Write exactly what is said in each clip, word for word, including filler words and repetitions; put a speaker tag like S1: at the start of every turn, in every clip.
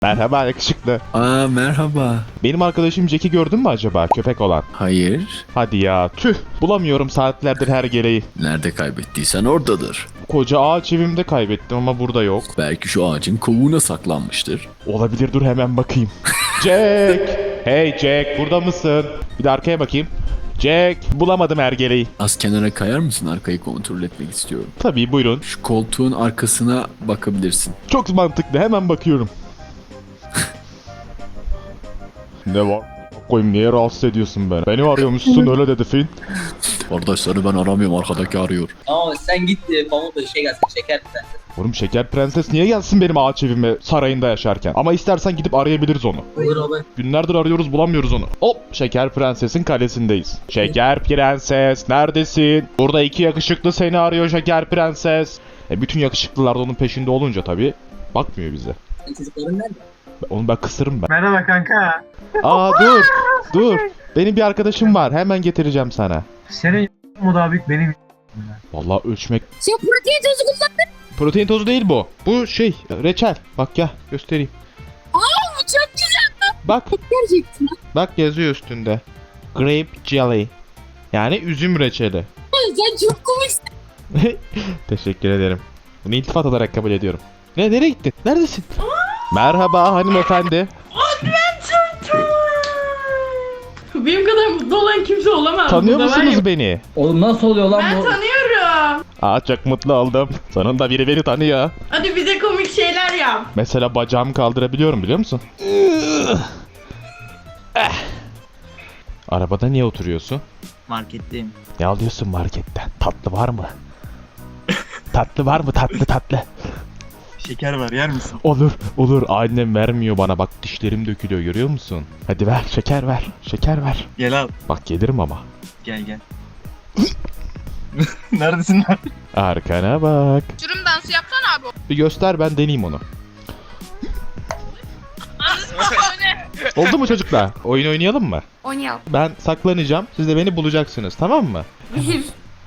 S1: Merhaba yakışıklı.
S2: Aa merhaba.
S1: Benim arkadaşım Jack'i gördün mü acaba, köpek olan?
S2: Hayır.
S1: Hadi ya, tüh, bulamıyorum saatlerdir her gereği.
S2: Nerede kaybettiysen oradadır.
S1: Koca ağaç evimde kaybettim ama burada yok.
S2: Belki şu ağacın kovuğuna saklanmıştır.
S1: Olabilir, dur hemen bakayım. Jack! Hey Jack, burada mısın? Bir de arkaya bakayım. Jack, bulamadım ergeleyi.
S2: Az kenara kayar mısın, arkayı kontrol etmek istiyorum.
S1: Tabii, buyurun.
S2: Şu koltuğun arkasına bakabilirsin.
S1: Çok mantıklı, hemen bakıyorum. Ne var? Koyayım, niye rahatsız ediyorsun beni? Beni arıyormuşsun, öyle dedi Finn.
S2: Kardeşleri ben aramıyorum, arkadaki arıyor.
S3: Ama sen git e, Pamuk'la şey gelsin, şeker prenses.
S1: Oğlum şeker prenses niye gelsin benim ağaç evime sarayında yaşarken? Ama istersen gidip arayabiliriz onu.
S3: Olur olur.
S1: Günlerdir arıyoruz, bulamıyoruz onu. Hop, şeker prensesin kalesindeyiz. Şeker prenses neredesin? Burada iki yakışıklı seni arıyor şeker prenses. E bütün yakışıklılar da onun peşinde olunca tabii bakmıyor bize.
S3: Çocukların nerede?
S1: Onu ben kısırım ben.
S4: Merhaba kanka.
S1: Aa dur dur. Benim bir arkadaşım var, hemen getireceğim sana.
S4: Senin mu daha büyük benim.
S1: Vallahi ölçmek...
S5: Sen protein tozu kullandın.
S1: Protein tozu değil bu. Bu şey, reçel. Bak gel göstereyim.
S5: Aa çok güzel.
S1: Bak
S5: Gerçekten.
S1: bak yazıyor üstünde. Grape jelly. Yani üzüm reçeli.
S5: Sen çok komiksin.
S1: Teşekkür ederim. Bunu iltifat olarak kabul ediyorum. Ne, nereye gittin? Neredesin? Merhaba hanımefendi.
S6: Benim kadar mutlu olan kimse olamaz.
S1: Tanıyor
S6: burada, var
S1: musunuz
S6: ya.
S1: beni?
S3: Oğlum nasıl oluyor lan
S6: Ben
S3: bu?
S6: tanıyorum.
S1: Aa çok mutlu oldum. Sonunda biri beni tanıyor.
S6: Hadi bize komik şeyler yap.
S1: Mesela bacağımı kaldırabiliyorum, biliyor musun? Eh. Arabada niye oturuyorsun?
S7: Marketteyim.
S1: Ne alıyorsun marketten? Tatlı var mı? Tatlı var mı? Tatlı tatlı.
S7: Şeker var, yer misin?
S1: Olur, olur. Annem vermiyor bana. Bak dişlerim dökülüyor, görüyor musun? Hadi ver, şeker ver. Şeker ver.
S7: Gel al.
S1: Bak gelirim ama.
S7: Gel gel. Neredesin lan?
S1: Arkana bak.
S5: Uçurum dansı yapsana abi.
S1: Bir göster, ben deneyeyim onu. Oldu mu çocuklar? Oyun oynayalım mı?
S5: Oynayalım.
S1: Ben saklanacağım. Siz de beni bulacaksınız, tamam mı?
S5: Bir, iki, üç,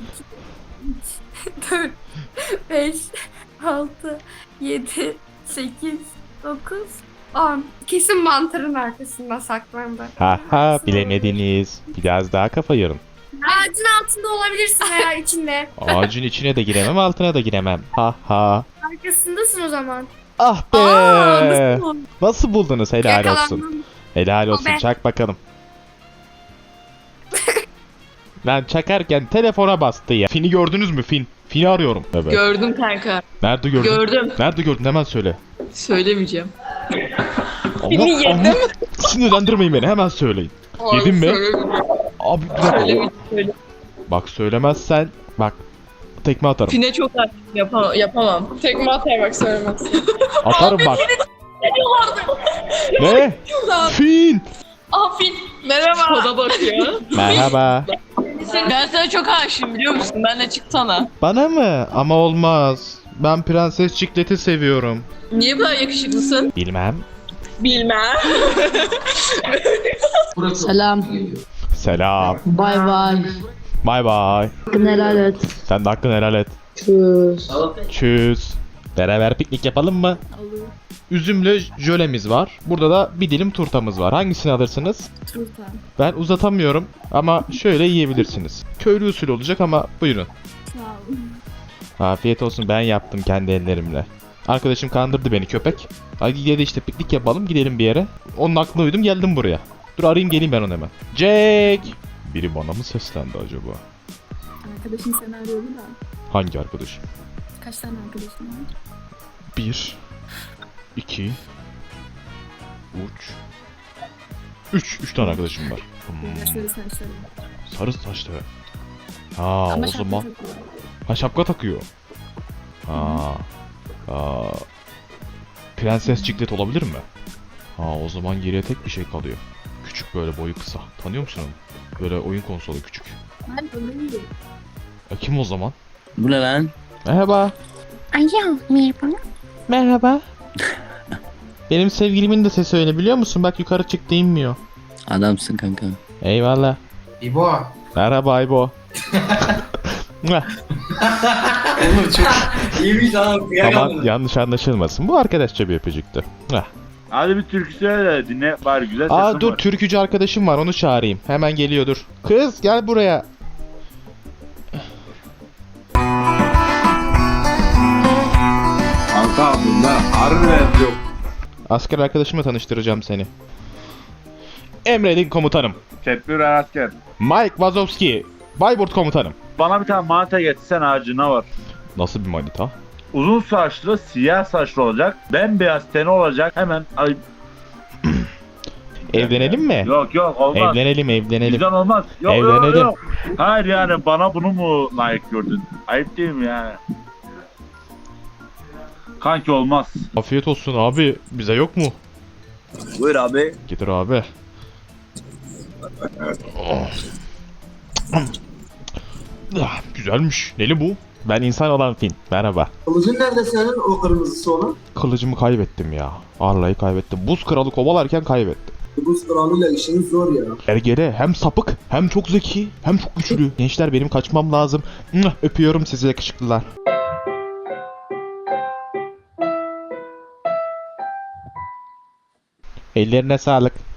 S5: dört, beş, altı, yedi, sekiz, dokuz, on. Kesin mantarın arkasında saklandı.
S1: Ha ha, bilemediniz. Biraz daha kafa yorun.
S5: Ağacın altında olabilirsin veya içinde.
S1: Ağacın içine de giremem, altına da giremem. Ha ha.
S5: Arkasındasın o zaman.
S1: Ah be.
S5: Aa, nasıl oldu?
S1: Nasıl buldunuz? Helal olsun.
S5: Yakalandım.
S1: Helal olsun.
S5: be.
S1: Çak bakalım. Ben çakarken telefona bastı ya. Fin'i gördünüz mü Fin? Fin'i arıyorum. Evet.
S6: Gördüm kanka.
S1: Nerede gördün?
S6: Gördüm.
S1: Nerede gördün? Hemen söyle.
S6: Söylemeyeceğim.
S1: Allah Allah. Sinirlendirmeyin beni. Hemen söyleyin. Yedin mi? Abi bir dakika.
S6: Söylemeyeceğim. Söyle.
S1: Bak söylemezsen bak tekme atarım.
S6: Fine çok aktif yapamam. yapamam. Tekme atar bak söylemezsin.
S1: Atarım bak. Ne? Fin.
S6: Aa Fin. Merhaba. Koda bakıyor.
S1: Merhaba.
S6: Ben sana çok aşığım biliyor musun? Ben de çıksana.
S1: Bana mı? Ama olmaz. Ben Prenses Ciklet'i seviyorum.
S6: Niye böyle yakışıklısın?
S1: Bilmem.
S6: Bilmem.
S8: Selam.
S1: Selam.
S8: Bay bay.
S1: Bay bay.
S8: Hakkını helal et.
S1: Sen de hakkını helal et.
S8: Tschüss.
S1: Tschüss. Beraber piknik yapalım mı?
S8: Olur.
S1: Üzümlü jölemiz var. Burada da bir dilim turtamız var. Hangisini alırsınız?
S8: Turta.
S1: Ben uzatamıyorum ama şöyle yiyebilirsiniz. Köylü usulü olacak ama buyurun.
S8: Sağ ol.
S1: Afiyet olsun, ben yaptım kendi ellerimle. Arkadaşım kandırdı beni, köpek. Hadi gidelim işte, piknik yapalım, gidelim bir yere. Onun aklına uydum, geldim buraya. Dur arayayım geleyim ben onu hemen. Jack! Biri bana mı seslendi acaba?
S8: Arkadaşın seni arıyordu da.
S1: Hangi arkadaşım?
S8: Kaç tane arkadaşın var?
S1: Bir, iki, üç. Üç, üç tane arkadaşım var. Hmm,
S8: Söyle sen söyle.
S1: sarı saçlı. Ha
S8: Ama
S1: o
S8: şapka
S1: zaman.
S8: takıyor.
S1: Ha şapka takıyor. Ha. Aa. Prenses Ciklet olabilir mi? Ha o zaman geriye tek bir şey kalıyor. Küçük, böyle boyu kısa. Tanıyor musun onu? Böyle oyun konsolu küçük.
S8: Ben tanıyorum.
S1: E kim o zaman?
S2: Bu ne lan?
S1: Merhaba.
S5: Alo merhaba.
S1: Merhaba. Benim sevgilimin de sesi öyle, biliyor musun? Bak yukarı çıktı, inmiyor.
S2: Adamsın kanka.
S1: Eyvallah.
S4: İbo.
S1: Merhaba İbo.
S3: Oğlum çok iyiymiş lan.
S1: Tamam, yanlış anlaşılmasın. Bu arkadaşça bir öpücüktü.
S9: Hadi bir türkü söyle de dinle bari güzel sesin
S1: Aa dur
S9: var.
S1: türkücü arkadaşım var onu çağırayım. Hemen geliyor dur. Kız gel buraya.
S2: Kanka bunda harbiden yok.
S1: Asker arkadaşımla tanıştıracağım seni. Emredin komutanım.
S9: Tedbir asker.
S1: Mike Wazowski. Bayburt komutanım.
S9: Bana bir tane manita getirsen ağacına var.
S1: Nasıl bir manita?
S9: Uzun saçlı, siyah saçlı olacak. Bembeyaz teni olacak. Hemen ay
S1: Evlenelim mi?
S9: yok yok olmaz.
S1: Evlenelim evlenelim.
S9: Bizden olmaz. Yok
S1: Evlenelim.
S9: yok yok. Hayır yani bana bunu mu layık gördün? Ayıp değil mi yani? Kanki olmaz.
S1: Afiyet olsun abi. Bize yok mu?
S3: Buyur abi.
S1: Getir abi. Oh. Ah, güzelmiş. Neli bu? Ben insan olan Fin. Merhaba.
S10: Kılıcın nerede senin o kırmızısı olan?
S1: Kılıcımı kaybettim ya. Arlayı kaybettim. Buz kralı kovalarken kaybettim.
S10: Buz kralıyla işiniz zor ya.
S1: Ergele hem sapık hem çok zeki hem çok güçlü. Gençler benim kaçmam lazım. Mwah, öpüyorum sizi yakışıklılar. Ellerine sağlık.